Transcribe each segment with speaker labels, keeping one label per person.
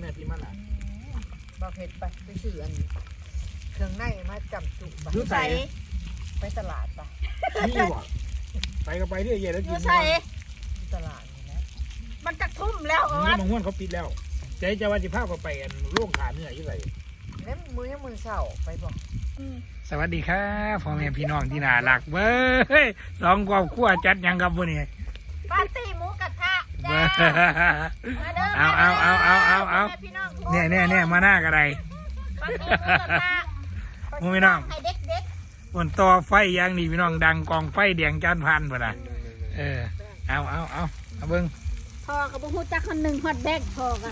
Speaker 1: ที่มันอ่ะ
Speaker 2: บ่เผ็ดไปซื้ออันเครื่องในมาจำจุไป
Speaker 1: รู้ใส่
Speaker 2: ไปตลาดไป
Speaker 1: นี่บ่ไปก็ไปเรื่อยๆแล้วกิน
Speaker 3: ใส่
Speaker 2: ตลาดนี่นะ
Speaker 3: มันจะทุ่มแล้ว
Speaker 1: นี่บางวันเขาปิดแล้วใจจะว่าจะพาเขาไปอันโรงขาเนื้ออยู่ไส
Speaker 2: แล้วมือเช้าไปบอก
Speaker 1: สวัสดีครับพ่อแม่พี่น้องที่น่ารักเบ้ยสองครอบครัวจัดหยังกับมื้อนี้
Speaker 3: ปาร์ตี้หมูกระทะ
Speaker 1: เบ้
Speaker 3: จ้า
Speaker 1: อ
Speaker 3: มาเด้อ
Speaker 1: เอา
Speaker 3: พี่น้อง
Speaker 1: เนี่ยมาหน้ากระได
Speaker 3: ปาร์ตี้หมูกระทะ
Speaker 1: มึงพี่น้อง
Speaker 3: ให้เด็ก
Speaker 1: บนต่อไฟอย่างนี้พี่น้องดังกองไฟแดงจานพันบ่น่ะเอาเบิ่ง
Speaker 3: ๆพอกับบุ้งจักคนหนึ่งฮอตแบกพอกัน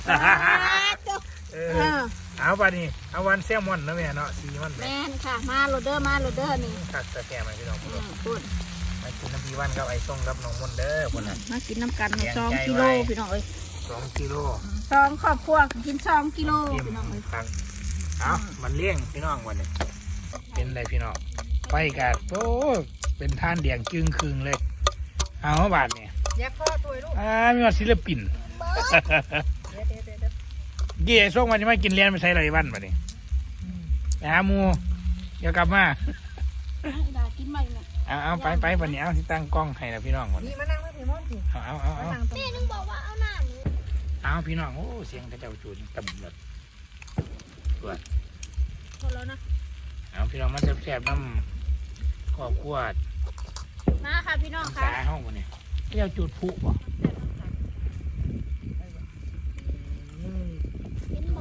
Speaker 1: เอาป่ะนี่เอาวันแซลมอนนะแม่เนาะสีมัน
Speaker 3: แมนค่ะมาโรเดอร์นี่
Speaker 1: ตัดตะแกรงมาพี่น้องพุ่น
Speaker 3: พูด
Speaker 1: มากินน้ำพีวันกับไอ้ส้มกับน้องมนเด้อพุ่นน่ะ
Speaker 3: มากินน้ำกัน2 กิโลพี่น้องเอ้ย
Speaker 1: 2 กิโล
Speaker 3: 2 ครอบครัวกิน2 กิโล
Speaker 1: เต็ม
Speaker 3: พี่น้องเอ้ย
Speaker 1: ฟังเอามันเลี้ยงพี่น้องวันนี้เป็นไรพี่น้องไฟกัดโอ้เป็นท่านแดงจึงคืงเลยเอาบาทเนี่ย
Speaker 2: แยกพ่อตัวลูก
Speaker 1: มีว่าศิลปิน
Speaker 2: เดี๋ยว
Speaker 1: เกี่ยส่งมาจะมากินเลี้ยงไม่ใช่ไรบ้านมาเนี่ยไปหาหมูเดี๋ยวกลับมา
Speaker 3: ดากินใหม่เนี่ย
Speaker 1: เอาไปวันนี้เอาที่ตั้งกล้องให้นะพี่น้องวัน
Speaker 2: นี่
Speaker 1: นี้
Speaker 2: มานั่งไม่ถึงมอนสิ
Speaker 1: เอา
Speaker 2: มานั่งตรง
Speaker 3: แม่นึงบอกว่าเอาหน้าหมู
Speaker 1: เอาพี่น้องโอ้เสียงกระเจ้าจูนต่ำเลยตัว
Speaker 3: พอแล้วนะ
Speaker 1: เอาพี่น้องมันแซ่บๆน้ำครอบครัว
Speaker 3: มาค่ะพี่น้อง
Speaker 1: สา
Speaker 3: ค่ะ
Speaker 1: ห้องวันนี้เจ้าจูดผุบ่
Speaker 3: กินหมด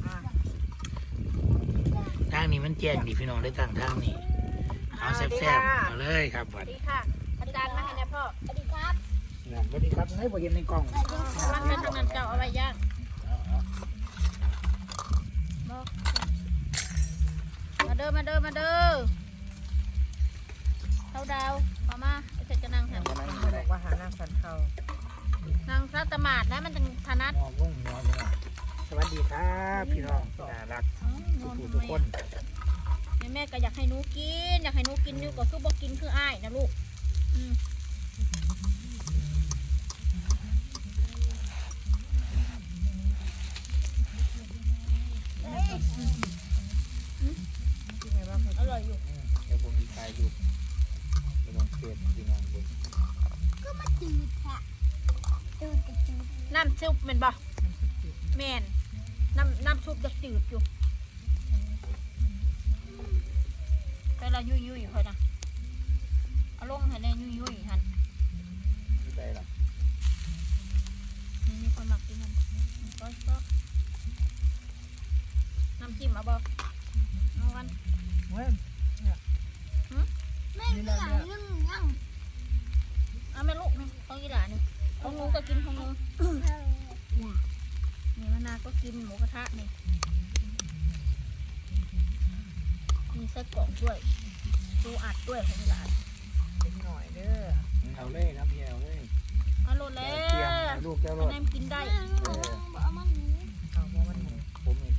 Speaker 1: ทางนี้มันแจ้งดีพี่น้องได้ตั้งทางนี้เอาแซ่บๆเอาเลยครับ
Speaker 3: ส
Speaker 1: วั
Speaker 3: วัน สดีค่ะอาจารย์มาให้นะพ่อสวัสดีครับ
Speaker 1: สวัสดีครับให้พอเห็นในกล้อง
Speaker 3: มันเป็นทางนั้นเจ้าเอาไว้ย่างมาเด้อเข้าดาวพอมาไอ้เสร็จจะนั่งหัน
Speaker 2: บอกว่าหานั่งสันเขา
Speaker 3: นั่งพระตมาดนะมันจะถนัด
Speaker 1: มองลงหัวพี่น้องสวัสดีครับพี่น้องน่ารักทุกคน
Speaker 3: แม่ก็อยากให้หนูกินนี่ก็คือบอกกินคืออ้ายนะลูกอร่อยอยู่
Speaker 1: เดี๋ยวผมมีใครอยู่ไม่ต้องเสียดพี่น้องบน
Speaker 3: น้ำซุปเป็นบ่แม่นน้ำซุปจะจืดอยู่แต่ละยุ่ยค่อยนะเอาลงให้แน่ยุ่ยหัน
Speaker 1: ไม่ได้หรอก
Speaker 3: มีคนหมักกินมันก็น้ำจิ้มเอาบ่เอาวัน
Speaker 2: เว้ย
Speaker 3: แม่ก็อยากนึ่งเอาแม่ลูกนี่ต้องกีฬานี่ของหนูก็กินของหนูนี่มะนาวก็กินหมูกระทะนี่มีไส้กรอกด้วยปูอัดด้วยของหลาน
Speaker 2: เป็นหน่อยเด้อ
Speaker 1: เอาเลยครับพี่เอาเลย
Speaker 3: เอาโลดแล้
Speaker 1: เตรียม
Speaker 3: ว
Speaker 1: ลูกเจ้า
Speaker 3: แม่
Speaker 1: รถ
Speaker 3: แนมกินได้
Speaker 2: เอาเพราะมันหมู
Speaker 1: ผมเอง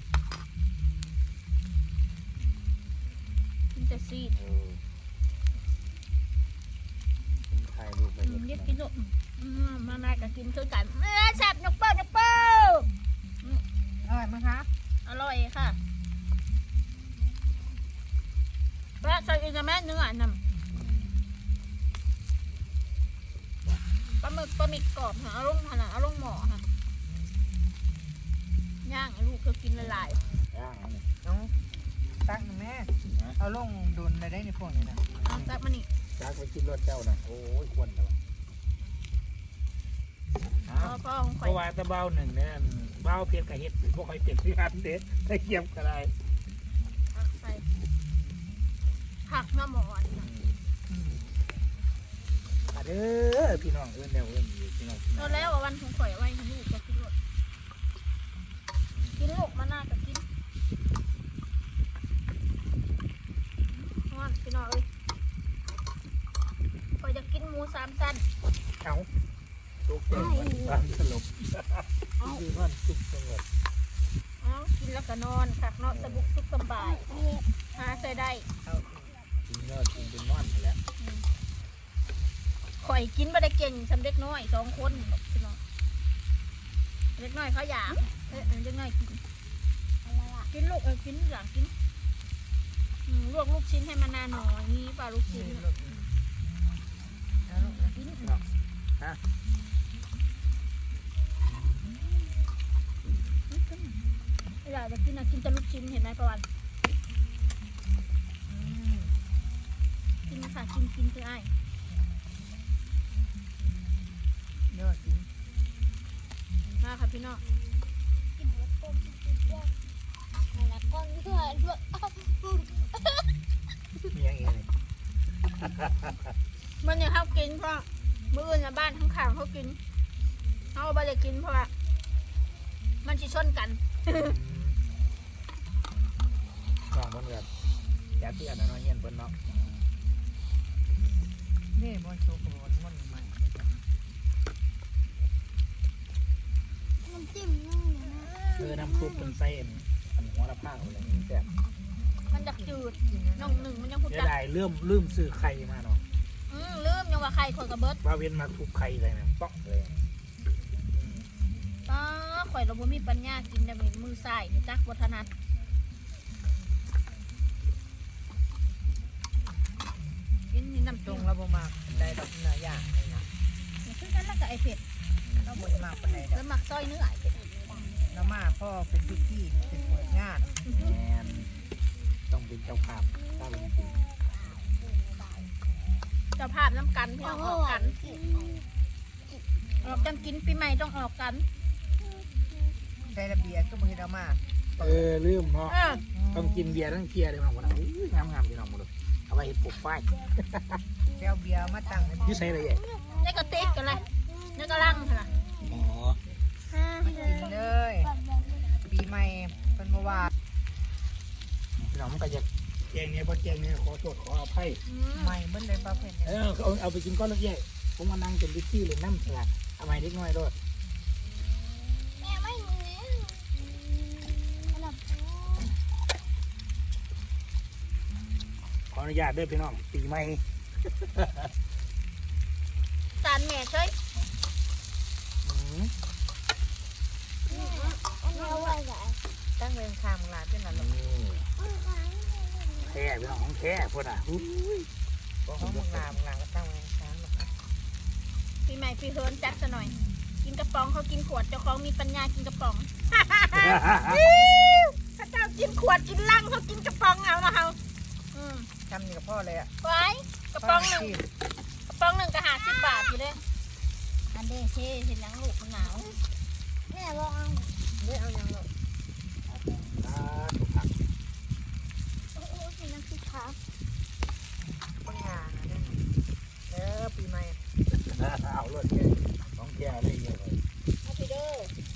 Speaker 3: กินแต่ซีด
Speaker 1: ผมถ่ายรูปไป
Speaker 3: เรียกกินลูกมานายก็กินคือกันแซ่บนกเปิ้ล
Speaker 2: อร่อยมั้งคะ
Speaker 3: อร่อยค่ะแล้วใส่อีกแม่เนื้อน้ำปลาหมึกกรอบค่ะเอาลงผนังเอาลงหม้อค่ะย่างลูกก็กินละลาย
Speaker 1: ย่างอันนี้
Speaker 2: น้องตักแม่เอาลงดุนเลยได้ในพวกนี้นะ
Speaker 3: เอาจับมานี่
Speaker 1: จากไปกินรถเจ้านะโอ้ยควรแล้ว
Speaker 3: พ่อของ
Speaker 1: เพ
Speaker 3: ข่อย
Speaker 1: ราะว่าตะเบ้าหนึ่งเนี่ยเบ้าเพียรกับเห็ดพวกใครเปลี่ยนที่อันเด็ดได้เกี่ยมกันได้
Speaker 3: ผักใส่ผักน้ำหมอนนะ
Speaker 1: เด้อพี่น้องเอื้อนแนวเอื้อนอยู่พี่น้อง
Speaker 3: เราแล้ววันของข่อยไว้ให้ลูกก็กินรสกินลูกมาหน้าก็กินฮ้อนพี่น้องเอ้ยข่อยจะกินหมู3 ชั้น
Speaker 1: เอาตุกเต็มบ้านสลบดีบ้านตุกสงบ
Speaker 3: กินแล้วก็นอนคักเนาะสบุกสุขสบายหาใส่ได้
Speaker 1: กินยอดกินเป็นนอนไปแล้ว
Speaker 3: ข่อยกินบ่ได้เก่งสำเด็กน้อย2 คนพี่น้องเล็กน้อยเขาอยากเล็กน้อยกินกินลูกกินหลังกินลวกลูกชิ้นให้มันนานหน่อยนี่ปลาลูกชิ้นกินอยากจะกินกินแต่ลูกชิ้นเห็นไหมประวันกินค่ะกินคือไอ้
Speaker 2: ยอดจริง
Speaker 3: มาค่ะพี่น้องกินแล้วก้มแล้วก้มเพื่อด้วย
Speaker 1: มีอย่างงี้เลย
Speaker 3: มันยังเขากินเพราะมื้ออื่นบ้านข้างๆเขากินเขาไม่ได้กินเพราะว่ามันจะชนกัน
Speaker 1: น้องเพิ่นแบบอยากที่อันนั้นเฮียนเพิ่นเนาะ
Speaker 2: นี่บอลโชว์บอลมันใหม่
Speaker 3: น้ำจิ้มนั่งอยู่นะ
Speaker 1: น้ำซุปเป็นไส้อันหัวละผ้าอะไรนี่แซ่บ
Speaker 3: มันจะจืดน้องหนึ่งมันยังพูด
Speaker 1: จะได้ลืมซื้อไข่มาเนาะ
Speaker 3: ลืมยังว่าไข่คนกับเบิร์ด
Speaker 1: ว่าเว้นมาทุบไข่เลยนะป๊อกเลย
Speaker 3: ข่อยเราบ่มีปัญญากินได้เป็นมือใส่นี่จักวัฒนัทกินนี่น้ำ
Speaker 2: ตร
Speaker 3: จิ้
Speaker 2: ง
Speaker 3: ม
Speaker 2: เราบ่มากได้ดอกเนื้อย่างเลยนะ
Speaker 3: คือกันแล้วก็ไอเผ็ด
Speaker 2: เราบ่มากปานใด
Speaker 3: แล้วหมักซอยเนื้อไอเผ็ด
Speaker 2: เรามาพ่อเป็นพิธีเป็นเปิดงาน
Speaker 1: ต้องเป็นเจ้าภาพถ้าเป็นจริง
Speaker 3: เจ้าภาพน้ำกันพี่น้องออกกันออกกันกินปีใหม่ต้องออกกัน
Speaker 2: ได้ระเบียบก็บ่เฮ็ดเอามา
Speaker 1: ลืมเนาะต้องกินเบียร์ทั้งเทียเลยมาหมดแล้วงามพี่น้องหมดเลยเอาไปปลูกฝ้าย
Speaker 2: แก้วเบียร์มาตั้ง
Speaker 1: ยืดใส่อะไรใหญ่
Speaker 3: ได้กระติกกันเลยได้กระลังค่ะ
Speaker 1: อ๋อ
Speaker 2: มากินเลยปีใหม่เป็นเมื่อวาน
Speaker 1: พี่น้องมันก็จะแกงเนี่ยพอแกงเนี่ยขอโทษขออภัย
Speaker 2: ใหม่เบิ้ลเลยป้าเพื่อน
Speaker 1: เอาไปกินก้อนเล็กใหญ่ผมมานั่งเป็นวิธีเลยน้ำสลัดเอาไปเล็กน้อยด้วย
Speaker 3: แม่ไม่มี
Speaker 1: ขออนุญาตด้วยพี่น้องปีใหม่
Speaker 3: จานแม่ช่วย
Speaker 2: ตั้งเรียงคามลาเป็นอะไร
Speaker 1: แค่พี่น้องของแค่พวกน่ะ
Speaker 2: ของมึงลาก็ตั้งเรียงคามหรอกนะ
Speaker 3: ปีใหม่ปีเฮิร์นจัดซะหน่อยกินกระป๋องเขากินขวดเจ้าของมีปัญญากินกระป๋องถ้าเจ้ากินขวดกินลังเขากินกระป๋องเอานะเขา
Speaker 2: ทำนี่กับพ่อเลยอ่ะ
Speaker 3: ไว้กระป๋องหนึ่งก็50 บาทอยู่เลยอันเดเช่เห็นยังลูกมันหนาวแม่บอกเอา
Speaker 2: เนี่ยเอายังลูก
Speaker 3: นั่นคือครับ
Speaker 2: ปัญหาปีใหม่
Speaker 1: เอารถแก่ของแก่ได้เยอะเลย
Speaker 3: เอาไปเด้อ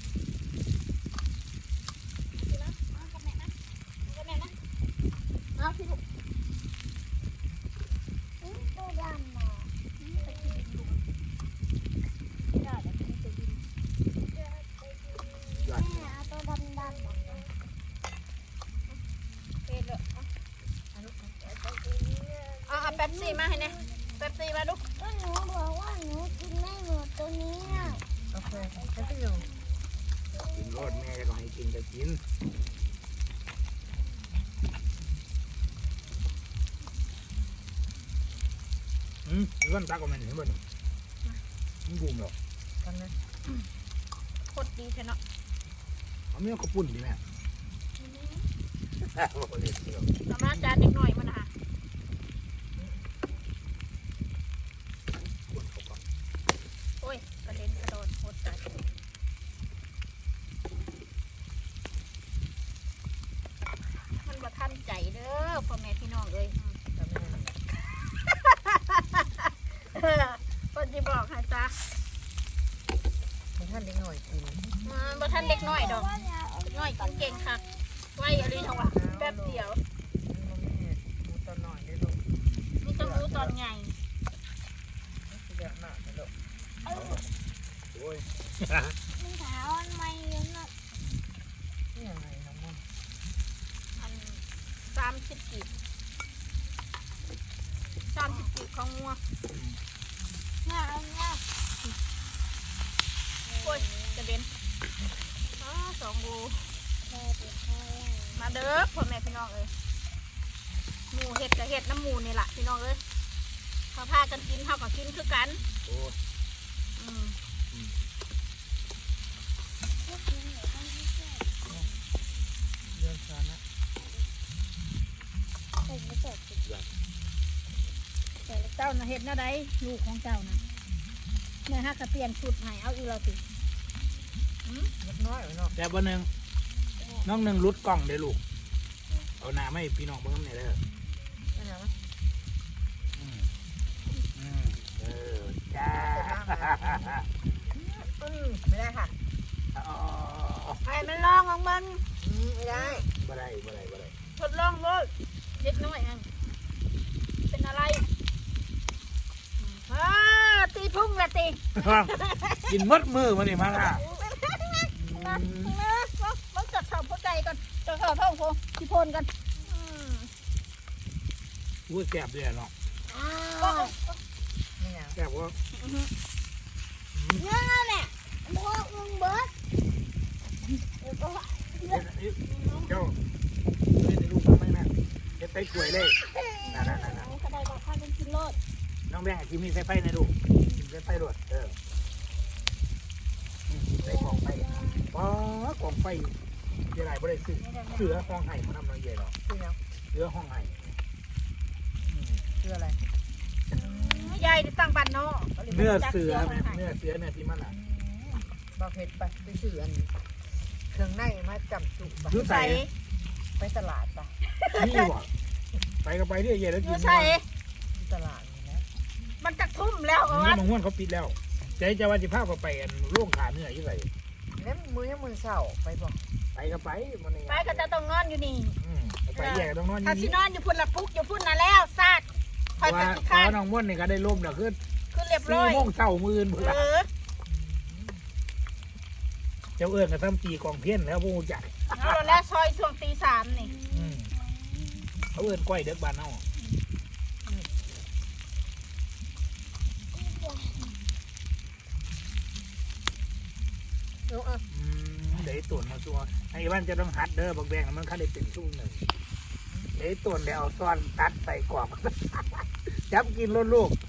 Speaker 3: เอากับแม่นะเอาพี่ลูกตัวดำมาได้แล้วพี่ตัวดินแม่เอาตัวดำเป็นเลยเอาแป๊บซี่มาให้เนี่ยแป๊บซี่มาลูก
Speaker 4: หนูบอกว่าหนูกินไม่หมดตัวนี้
Speaker 2: โอเคจะไปอยู่
Speaker 1: กินรถแม่ก็ให้กินก็กินเรื่องตาก็มันเห็นบ่เนี่ยมันบูมหรอก
Speaker 2: กันนะ
Speaker 3: โคตรดีเท่เนาะ
Speaker 1: เอาไม่เอาข้าวปุ้นดีไหม
Speaker 3: เอามาจานเด็กหน่อยมันนะคะโอ้ยกระเด็นกระโดดโคตรจัดมันบ่ทันใจเด้อพ่อแม่พี่น้องเลยคนที่บอกให้ซะ
Speaker 2: บ่ท่านเด็กหน่อยกิน
Speaker 3: บ่ท่านเด็กน้อยดอกน้อยกินเก่งค่ะไว้อะไรทั้งวะแป๊บเดียว
Speaker 2: มูตอนหน่อยได้ลูก
Speaker 3: มีต้องรู้ตอนไง
Speaker 2: เยอะมากเลยลูก
Speaker 1: โอ้ย
Speaker 4: มันถามไม่เยอะนะ
Speaker 2: นี่ยังไงน้องมุ่ง
Speaker 3: อัน30 กีบของงัว
Speaker 4: เนี่ย
Speaker 3: โอ้ยกระเด็น 2 โลมาเด้อพ่อแม่พี่น้องเอ้ยหมูเห็ดกับเห็ดน้ำหมูนี่แหละพี่น้องเอ้ยเขาพากันกินเขาก็กินคือกัน
Speaker 1: โอ้
Speaker 3: อืม
Speaker 1: เรื่องชานะ
Speaker 3: เจ้าน่ะเห็ดน่ะได้ลูกของเจ้าน่ะแม่ฮักก็เปลี่ยนชุดให้เอาอีกแล้วสิ
Speaker 2: เล็กน้อยเนาะ
Speaker 1: แต่วันหนึ่งน้องหนึ่งรุดกล้องเด้อลูกเอาหน้าไม่พี่น้องเบิ่งน้ำเนี่ยเด้อ
Speaker 2: นั่นนะ
Speaker 1: อืมเออจ้า
Speaker 2: ไม่ได้ค่ะ
Speaker 1: อ๋อ
Speaker 3: ให้มันลองของมัน
Speaker 2: ไม่ได้
Speaker 1: บ่ได้บ่ได้บ่ได้
Speaker 3: ทดลองเลยเล็กน้อยอันเป็นอะไรตีพุ่งละตี
Speaker 1: กินมดมือมานี่มาล่ะ
Speaker 3: มันจัดสอบหัวใจก่อนจัดสอบท้องโพที่พนกัน
Speaker 1: พูดแซ่บเลยเนาะ
Speaker 2: ไม่เอา
Speaker 1: แซ่บว่า
Speaker 4: เนื้อเนี่ยพวกมึงเบิร์ด
Speaker 1: เจ้าเล่นในลูกทำไมนะเด็ดไปกล้วยเลยนั่น
Speaker 3: กระไดบอกข้าเป็นกินโลด
Speaker 1: น้องแบงค์กินมีไฟไฟในลูกกินไฟไฟรวดใส่กล่องไฟป๊อกล่องไฟเดี๋ยวไหนบ่ได้ซื้อเสือห้องไห้มาทำน้องใหญ่หรอ
Speaker 2: คือยัง
Speaker 1: เสือห้องไห้
Speaker 2: คืออะไร
Speaker 3: ยายตั้งบ้านนอก
Speaker 1: เนื้อเสือไหมเนื้อเสือเนี่ยที่มันอ่ะ
Speaker 2: บาเพชรไปซื้ออันเครื่องในมาจำจุไป
Speaker 1: รู้ใส่
Speaker 2: ไปตลาดปะ
Speaker 1: นี่บ่ไปก็ไปเรื่อยๆแล้ว
Speaker 3: อ
Speaker 1: กิ
Speaker 3: ยู่
Speaker 1: น
Speaker 3: ใส่
Speaker 2: ที่ตลาดนี่นะ
Speaker 3: มันจะทุ่มแล้ว
Speaker 1: นี่
Speaker 3: วะ
Speaker 1: บางวันเขาปิดแล้วใจจะว่าจะพาเขาไปโรงขาเนื้ออยู่ไหน
Speaker 2: แล้วมือเศร้าไปบอก
Speaker 1: ไปก็ไปมันนี่
Speaker 3: ไปก็จะต้องนอนอยู่นี่
Speaker 1: ไปแยกต้องนอน
Speaker 3: ถ้าสิ
Speaker 1: นี่
Speaker 3: นอนอยู่พุ่นละปุ๊กอยู่พุ่นน่ะแล้วซาดคอยไป
Speaker 1: ว่า
Speaker 3: ขี้ข้าน
Speaker 1: น้องม่วนนี่ก็ได้ร่มแล้วคือ
Speaker 3: คือเรียบร้อย
Speaker 1: 4 โมงเช้ามื้อพุ่นล่ะ เจ้าเอิ้นก็ซ้ำตีกองเพี้ยนแล้วบ่ฮู้จัก
Speaker 3: เอาแล้วซอยช่วงตี 3นี่
Speaker 1: เขาเอิ้นก้อยเด็กบ้านเฮา
Speaker 2: เอาเอา
Speaker 1: เดี๋ยวตุ่นมาตัวไอ้บ้านจะต้องหัดเด้อบักแบงมันคันได้เป็นซุ่มหนึ่งเดี๋ยวตุ่นแล้วเอาซ้อนตัดใส่กรอบ จับกินรถลูก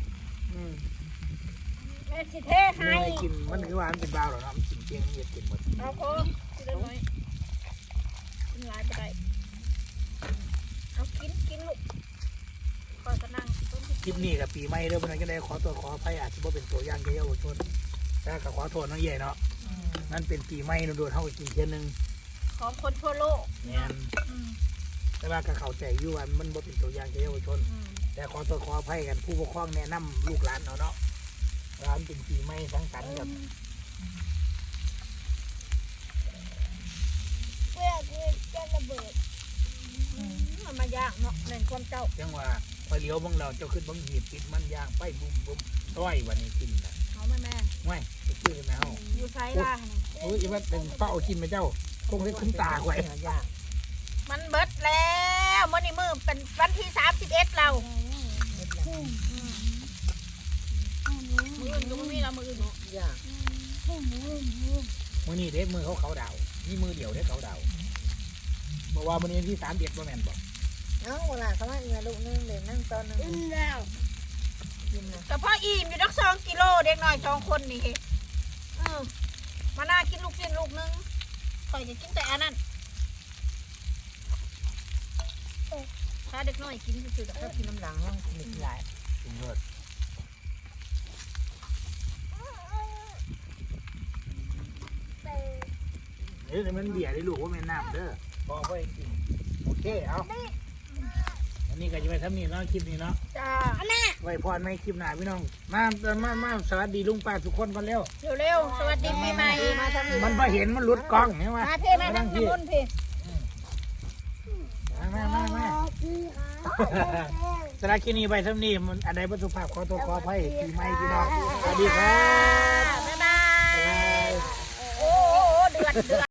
Speaker 3: แม่สิเท
Speaker 1: ไม่
Speaker 3: ให้
Speaker 1: ให้กินมันคือว่ามันเป็นบ้าวหรอกนะมันกินเกียงมันจะกินหมด
Speaker 3: เอาโค้กินได้น้อยกินหลายไปได้เอากินลูกคอยก็นั่งต้น
Speaker 1: คลิปนี้กับปีใหม่เด้อเพิ่นก็ได้ขอตัวขออภัยอาจจะบ่เป็นตัวอย่างแก่เยาวชนแต่ก็ขอโทษน้องใหญ่เนาะนั่นเป็นปีใหม่โดนๆเฮาก็กินเที่ยนึง
Speaker 3: ของคนทั่วโลก
Speaker 1: แม่นแต่ว่าก็เข้าใจอยู่ว่ามันบ่เป็นตัวอย่างแก่เยาวชน แต่ขอตัวขออภัยกันผู้ปกครองแนะนำลูกหลานเอาเนาะร้านเป็นปีใหม่สังสรรค์กับ
Speaker 4: เพื่อจะระเบิด
Speaker 3: มันมายากเนาะแม่นความเจ้า
Speaker 1: จังว่าพอเลี้ยวเบังเราเจ้าขึ้นเบังหีบติดมันยางไปบุ้มบุ้มต้อยวันนี้กินนะ
Speaker 3: เอาแม่
Speaker 1: ง่ายไปชื่อกันนะเฮา
Speaker 3: อยู่ไซล่า
Speaker 1: โอ้ยอีว่าเป็นเป้ากินไหมเจ้าคงได้คุ้มตาไว้
Speaker 2: ยาก
Speaker 3: มันเบิดแล้วมื้อนี้มื้อเป็นวันที่31เรามื้ออื่นก็บ่มีแล้วมื้ออื่น
Speaker 2: ยาก
Speaker 1: มื้อนี้เด็กมือเขาดาวนี่มือเดียวเด็กเขาดาวบอกว่ามื้อนี้ที่3 เดือนบ่แม่นบ่
Speaker 2: เอาเวลาเขาให้เงินลูกนึงเดี๋ยวนั่งตอนนึง
Speaker 4: อิ่มแล้ว
Speaker 2: กินนะ
Speaker 3: แต่พออิ่มอยู่นัก2 กิโลเด็กน้อย2 คนนี่มาน่ากินลูกชิ้นลูกนึงข่อยจะกินแต่อันนั้นถ้าเด็กน้อยกินซื่อๆดอก
Speaker 2: ถ้ากินน้ำหลังห้องกินหลาย
Speaker 1: กินเลิศเอ้ยแต่มันเบียร์ได้ลูกว่าแม่นน้ำเด้อบอกไว้กินโอเคเอาวันนี้ก็จะไปทำนี่เนาะคลิปนี้เนาะ
Speaker 3: จ้า
Speaker 1: ไว้พรไม่คลิปหน้าพี่น้องมาสวัสดีลุงป้าทุกคนกันเร็ว
Speaker 3: เร็วๆสวัสดีปีใหม่มาทำ
Speaker 1: มันพอเห็นมันหลุดกล้องเห็นไหม
Speaker 3: มาเพ่มาทางถนนเพ่
Speaker 1: มา สารบคลิปนี้ไปทำนี่มันอะไรประสุภาพขอตัวขออภัยปีใหม่พี่น้องสวัสดีครับ
Speaker 3: บ๊ายบายโอ้เดือด